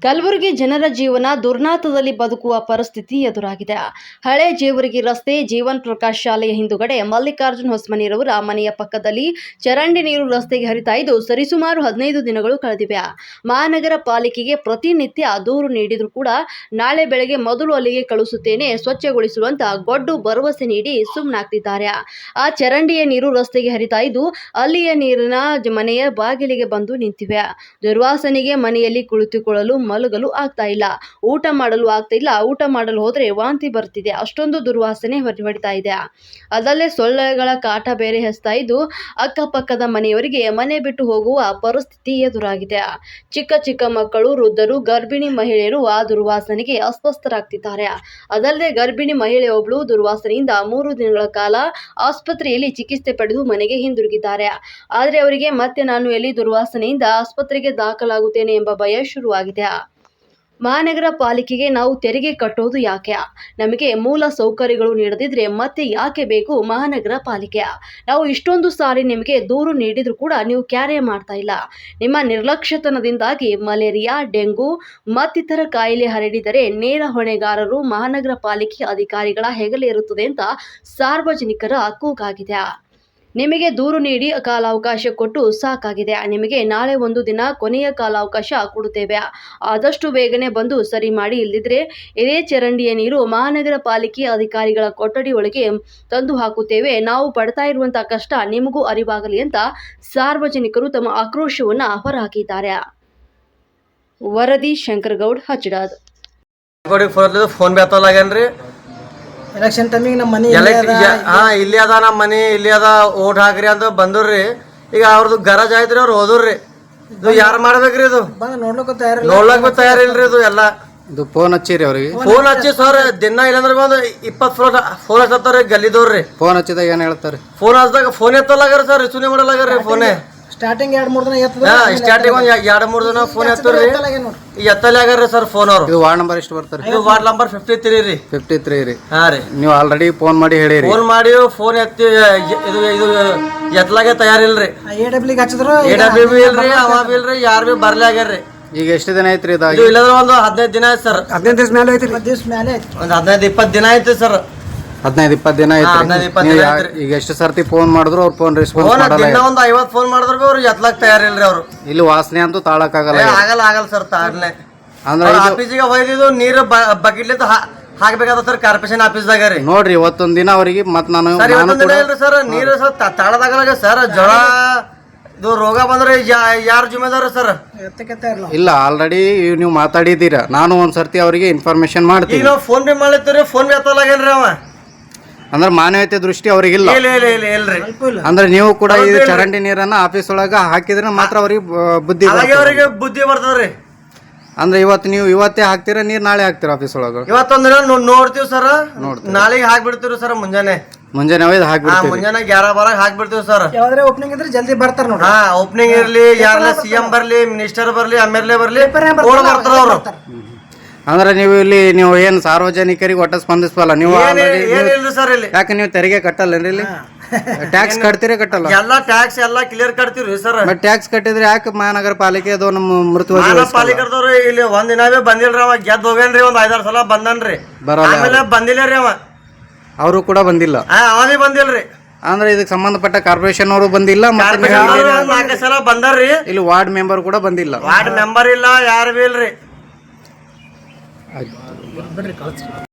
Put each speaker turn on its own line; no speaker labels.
ಕಲಬುರಗಿ ಜನರ ಜೀವನ ದುರ್ನಾತದಲ್ಲಿ ಬದುಕುವ ಪರಿಸ್ಥಿತಿ ಎದುರಾಗಿದೆ. ಹಳೆ ಜೇವರ್ಗಿ ರಸ್ತೆ ಜೀವನ್ ಪ್ರಕಾಶ್ ಶಾಲೆಯ ಹಿಂದುಗಡೆ ಮಲ್ಲಿಕಾರ್ಜುನ್ ಹೊಸಮನಿರವರ ಮನೆಯ ಪಕ್ಕದಲ್ಲಿ ಚರಂಡಿ ನೀರು ರಸ್ತೆಗೆ ಹರಿತಾ ಇದ್ದು ಸರಿಸುಮಾರು 15 ದಿನಗಳು ಕಳೆದಿವೆ. ಮಹಾನಗರ ಪಾಲಿಕೆಗೆ ಪ್ರತಿನಿತ್ಯ ದೂರು ನೀಡಿದರೂ ಕೂಡ ನಾಳೆ ಬೆಳಗ್ಗೆ ಮೊದಲು ಅಲ್ಲಿಗೆ ಕಳುಹಿಸುತ್ತೇನೆ, ಸ್ವಚ್ಛಗೊಳಿಸುವಂತ ಗೊಡ್ಡು ಭರವಸೆ ನೀಡಿ ಸುಮ್ಮನಾಗ್ತಿದ್ದಾರೆ. ಆ ಚರಂಡಿಯ ನೀರು ರಸ್ತೆಗೆ ಹರಿತಾ ಇದ್ದು ಅಲ್ಲಿಯ ನೀರಿನ ಮನೆಯ ಬಾಗಿಲಿಗೆ ಬಂದು ನಿಂತಿವೆ. ದುರ್ವಾಸನೆಗೆ ಮನೆಯಲ್ಲಿ ಕುಳಿತುಕೊಳ್ಳಲು ಮಲಗಲು ಆಗ್ತಾ ಇಲ್ಲ, ಊಟ ಮಾಡಲು ಆಗ್ತಾ ಇಲ್ಲ. ಊಟ ಮಾಡಲು ಹೋದ್ರೆ ವಾಂತಿ ಬರ್ತಿದೆ, ಅಷ್ಟೊಂದು ದುರ್ವಾಸನೆ ಹೊಡಿತಾ ಇದೆ. ಅದಲ್ಲೇ ಸೊಳ್ಳೆಗಳ ಕಾಟ ಬೇರೆ ಹೆಚ್ಚುತ್ತಾ ಇದ್ದು ಅಕ್ಕಪಕ್ಕದ ಮನೆಯವರಿಗೆ ಮನೆ ಬಿಟ್ಟು ಹೋಗುವ ಪರಿಸ್ಥಿತಿ ಎದುರಾಗಿದೆ. ಚಿಕ್ಕ ಚಿಕ್ಕ ಮಕ್ಕಳು, ವೃದ್ಧರು, ಗರ್ಭಿಣಿ ಮಹಿಳೆಯರು ಆ ದುರ್ವಾಸನೆಗೆ ಅಸ್ವಸ್ಥರಾಗ್ತಿದ್ದಾರೆ. ಅದಲ್ಲದೆ ಗರ್ಭಿಣಿ ಮಹಿಳೆಯೊಬ್ಬಳು ದುರ್ವಾಸನೆಯಿಂದ 3 ದಿನಗಳ ಕಾಲ ಆಸ್ಪತ್ರೆಯಲ್ಲಿ ಚಿಕಿತ್ಸೆ ಪಡೆದು ಮನೆಗೆ ಹಿಂದಿರುಗಿದ್ದಾರೆ. ಆದರೆ ಅವರಿಗೆ ಮತ್ತೆ ನಾನು ಎಲ್ಲಿ ದುರ್ವಾಸನೆಯಿಂದ ಆಸ್ಪತ್ರೆಗೆ ದಾಖಲಾಗುತ್ತೇನೆ ಎಂಬ ಭಯ ಶುರುವಾಗಿದೆ. ಮಹಾನಗರ ಪಾಲಿಕೆಗೆ ನಾವು ತೆರಿಗೆ ಕಟ್ಟೋದು ಯಾಕೆ? ನಮಗೆ ಮೂಲ ಸೌಕರ್ಯಗಳು ನೀಡದಿದ್ರೆ ಮತ್ತೆ ಯಾಕೆ ಬೇಕು ಮಹಾನಗರ ಪಾಲಿಕೆ? ನಾವು ಇಷ್ಟೊಂದು ಸಾರಿ ನಿಮಗೆ ದೂರು ನೀಡಿದ್ರು ಕೂಡ ನೀವು ಕ್ಯಾರೆ ಮಾಡ್ತಾ ಇಲ್ಲ. ನಿಮ್ಮ ನಿರ್ಲಕ್ಷ್ಯತನದಿಂದಾಗಿ ಮಲೇರಿಯಾ, ಡೆಂಗು ಮತ್ತಿತರ ಕಾಯಿಲೆ ಹರಡಿದರೆ ನೇರ ಹೊಣೆಗಾರರು ಮಹಾನಗರ ಪಾಲಿಕೆ ಅಧಿಕಾರಿಗಳ ಹೆಗಲೇ ಇರುತ್ತದೆ ಅಂತ ಸಾರ್ವಜನಿಕರ ಕೂಗಾಗಿದೆ. ನಿಮಗೆ ದೂರು ನೀಡಿ ಕಾಲಾವಕಾಶ ಕೊಟ್ಟು ಸಾಕಾಗಿದೆ. ನಿಮಗೆ ನಾಳೆ ಒಂದು ದಿನ ಕೊನೆಯ ಕಾಲಾವಕಾಶ ಕೊಡುತ್ತೇವೆ. ಆದಷ್ಟು ಬೇಗನೆ ಬಂದು ಸರಿ ಮಾಡಿ, ಇಲ್ಲದಿದ್ರೆ ಇದೇ ಚರಂಡಿಯ ನೀರು ಮಹಾನಗರ ಪಾಲಿಕೆ ಅಧಿಕಾರಿಗಳ ಕೊಠಡಿ ಒಳಗೆ ತಂದು ಹಾಕುತ್ತೇವೆ. ನಾವು ಪಡ್ತಾ ಇರುವಂತಹ ಕಷ್ಟ ನಿಮಗೂ ಅರಿವಾಗಲಿ ಅಂತ ಸಾರ್ವಜನಿಕರು ತಮ್ಮ ಆಕ್ರೋಶವನ್ನ ಹೊರಹಾಕಿದ್ದಾರೆ. ವರದಿ ಶಂಕರಗೌಡ್, ಹಚ್ಚಡಾದ್.
ಎಲೆಕ್ಷನ್ ಟೈಮಿಗೆ ನಮ್ಮ ಮನೆ
ಇಲ್ಲಿ ಅದ, ನಮ್ಮ ಮನೆ ಇಲ್ಲಿ ಅದ, ಓಟ್ ಹಾಕ್ರಿ ಅಂತ ಬಂದ್ರಿ. ಈಗ ಅವ್ರದ್ದು ಗರಜ್ ಆಯ್ತ್ರಿ, ಅವ್ರು ಹೋದ್ರಿ. ಇದು ಯಾರು ಮಾಡ್ಬೇಕ್ರಿ? ಇದು ನೋಡ್ಲಕ್ಕ ತಯಾರಿಲ್ರಿ. ಇದು ಎಲ್ಲ
ಇದು ಫೋನ್ ಹಚ್ಚಿರಿ ಅವ್ರಿಗೆ?
ಫೋನ್ ಹಚ್ಚಿ ಸರ್ ದಿನ ಇಲ್ಲಂದ್ರೆ ಒಂದು 20 ಫೋನ್ ಹಚ್ಚತ್ತಾರ ಗಲ್ಲಿದವ್ರಿ.
ಫೋನ್ ಹಚ್ಚಿದಾಗ ಏನ್ ಹೇಳ್ತಾರೆ?
ಫೋನ್ ಹಚ್ಚಿದಾಗ ಫೋನ್ ಎತ್ತಲಾಗ್ರಿ ಸರ್, ರಿಸೀವ್ ಮಾಡಲಾಗ್ರಿ ಫೋನೇ.
ಸ್ಟಾರ್ಟಿಂಗ್ 2-3 ದಿನ
ಸ್ಟಾರ್ಟಿಂಗ್ ಒಂದ್ 2-3 ದಿನ ಫೋನ್ ಎತ್ತರಿ, ಎತ್ತಲೇ ಆಗ್ರಿ ಸರ್ ಫೋನ್. ಅವ್ರು
ಇದು ವಾರ್ಡ್ ನಂಬರ್ ಎಷ್ಟು ಬರ್ತಾರೆ?
ಇದು ವಾರ್ಡ್ ನಂಬರ್ 53 ರೀ.
53 ರೀ.
ಹಾ ರೀ.
ನೀವು ಆಲ್ರೆಡಿ ಫೋನ್ ಮಾಡಿ ಹೇಳಿರಿ?
ಫೋನ್ ಮಾಡಿ ಫೋನ್ ಎತ್ತಿ ಇದು ಎತ್ತಲಾಗೆ ತಯಾರಿಲ್ರಿ.
AWB ಹಚ್ಚಿದ್ರು
AWB ಇಲ್ರಿ, ಅವ ಬಿ ಇಲ್ರಿ, ಯಾರು ಬಿ ಬರ್ಲಿ ಆಗ್ಯಾರ್ರಿ.
ಈಗ ಎಷ್ಟು ದಿನ ಐತ್ರಿ ಇದು?
ಇಲ್ಲಂದ್ರೆ ಒಂದು 15 ದಿನ ಆಯ್ತು ಸರ್.
15 ದಿವಸ ಮೇಲೆ ಐತಿ. 15 ದಿವಸ ಮೇಲೆ ಐತಿ.
ಒಂದು 15-20 ದಿನ ಆಯ್ತು ಸರ್.
15-20 ದಿನ ಐತ್ರಿ. ಈಗ ಎಷ್ಟು ಸರ್ತಿ ಫೋನ್ ಮಾಡಿದ್ರು ಅವ್ರು ಫೋನ್ ರೆಸ್ಪಾನ್ಸ್ ಮಾಡಲ್ಲ.
ದಿನ ಒಂದು 50 ಫೋನ್ ಮಾಡಿದ್ರು ಅವ್ರು ಎತ್ತಲಾಕ್ ತಯಾರಿಲ್ರಿ. ಅವ್ರು
ಇಲ್ಲಿ ವಾಸನೆ ಅಂತೂ ತಾಳಕ್ ಆಗಲ್ಲ
ಸರ್. ತಾಳ್ನೆ
ಅಂದ್ರೆ
ಆಫೀಸಿಗೆ ಹೋಯ್ದಿದ್ದು ನೀರು ಬಕೆಟ್ಲಿಂದ ಹಾಕ್ಬೇಕಾದ ಸರ್, ಕಾರ್ಪೊರೇಷನ್ ಆಫೀಸ್ದಾಗ ರೀ.
ನೋಡ್ರಿ ಇವತ್ತೊಂದ್ ದಿನ ಅವ್ರಿಗೆ ಮತ್ ನಾನು
ಸರ್ ನೀರು ಸರ್ ತಾಳದಾಗಲ್ಲ ಸರ್. ಜ್ವರ ಇದು ರೋಗ ಬಂದ್ರೆ ಯಾರು ಜಿಮ್ಮೆದಾರ ಸರ್?
ಇಲ್ಲ, ಆಲ್ರೆಡಿ ನೀವು ಮಾತಾಡಿದೀರ. ನಾನು ಒಂದ್ಸರ್ತಿ ಅವರಿಗೆ ಇನ್ಫಾರ್ಮೇಶನ್ ಮಾಡ್ತೀನಿ.
ಈಗ ನಾವು ಫೋನ್ ಪೇ ಮಾಡ್ಲತ್ತೀರಿ, ಫೋನ್ ಪೇ ಎತ್ತಲಾಗೇನ್ರಿ ಅವ.
ಅಂದ್ರೆ ಮಾನವೀಯತೆ ದೃಷ್ಟಿ ಅವ್ರಿಗಿಲ್ಲ.
ಇಲ್ರಿ.
ಅಂದ್ರೆ ನೀವು ಕೂಡ ಈ ಚರಂಡಿ ನೀರನ್ನ ಆಫೀಸ್ ಒಳಗ ಹಾಕಿದ್ರೆ ಮಾತ್ರ ಅವ್ರಿಗೆ ಬುದ್ಧಿ
ಬರ್ತದ್ರಿ.
ಅಂದ್ರೆ ಇವತ್ತೇ ಹಾಕ್ತೀರಾ ನೀರ್, ನಾಳೆ ಹಾಕ್ತೀರಾ ಆಫೀಸ್ ಒಳಗ?
ಇವತ್ತೊಂದಿನ ನೋಡ್ತೀವಿ ಸರ್, ನಾಳೆಗೆ ಹಾಕ್ಬಿಡ್ತೀವಿ ಸರ್. ಮುಂಜಾನೆ
ಒಯ್ದು ಹಾಕ್ಬಿಡ್ತೀವಿ.
ಮುಂಜಾನೆ 11-12 ಹಾಕ್ಬಿಡ್ತೀವಿ ಸರ್.
ಯಾವ್ದಾರ ಓಪನಿಂಗ್ ಇದ್ರೆ ಜಲ್ದಿ ಬರ್ತಾರ ನೋಡಿ.
ಓಪನಿಂಗ್ ಇರ್ಲಿ, ಯಾರನ್ನ CM ಬರ್ಲಿ, ಮಿನಿಸ್ಟರ್ ಬರ್ಲಿ, MLA ಬರ್ಲಿ, ಬರ್ತಾರ ಅವ್ರು.
ಅಂದ್ರೆ ನೀವು ಏನ್ ಸಾರ್ವಜನಿಕರಿಗೆ ಒಟ್ಟ ಸ್ಪಂದಿಸಲ್ಲ ನೀವು? ಯಾಕೆ ನೀವು ತೆರಿಗೆ ಕಟ್ಟಲ್ಲೇನ್ರಿ? ಇಲ್ಲಿ ಟ್ಯಾಕ್ಸ್ ಕಟ್ತೀರಿ ಕಟ್ಟಲ್ಲ?
ಎಲ್ಲಾ ಟ್ಯಾಕ್ಸ್ ಎಲ್ಲಾ ಕ್ಲಿಯರ್ ಕಟ್ತೀವ್ರಿ ಸರ್.
ಬಟ್ ಟ್ಯಾಕ್ಸ್ ಕಟ್ಟಿದ್ರೆ ಯಾಕೆ ಮಹಾನಗರ ಪಾಲಿಕೆ ಅದು ನಮ್ಮ ಮೃತ
ಪಾಲಿಕೆದವ್ರು ಇಲ್ಲಿ ಒಂದ್ ದಿನವೇ ಬಂದಿಲ್ರಿ. ಅವ ಗೆದ್ದು ಹೋಗ್ಯಾನ್ರಿ, ಒಂದ್ 5-6 ಸಲ ಬಂದನ್ರಿ. ಆಮೇಲೆ ಬಂದಿಲ್ಲ ರೀ ಅವ.
ಅವರು ಕೂಡ ಬಂದಿಲ್ಲ?
ಅವನೇ ಬಂದಿಲ್ರಿ.
ಅಂದ್ರೆ ಇದಕ್ಕೆ ಸಂಬಂಧಪಟ್ಟ ಕಾರ್ಪೊರೇಷನ್ ಅವರು ಬಂದಿಲ್ಲ,
4 ಸಲ ಬಂದಾರ್ರಿ.
ಇಲ್ಲಿ ವಾರ್ಡ್ ಮೆಂಬರ್ ಕೂಡ ಬಂದಿಲ್ಲ.
ವಾರ್ಡ್ ಮೆಂಬರ್ ಇಲ್ಲ, ಯಾರು ಬಿ ಇಲ್ರಿ.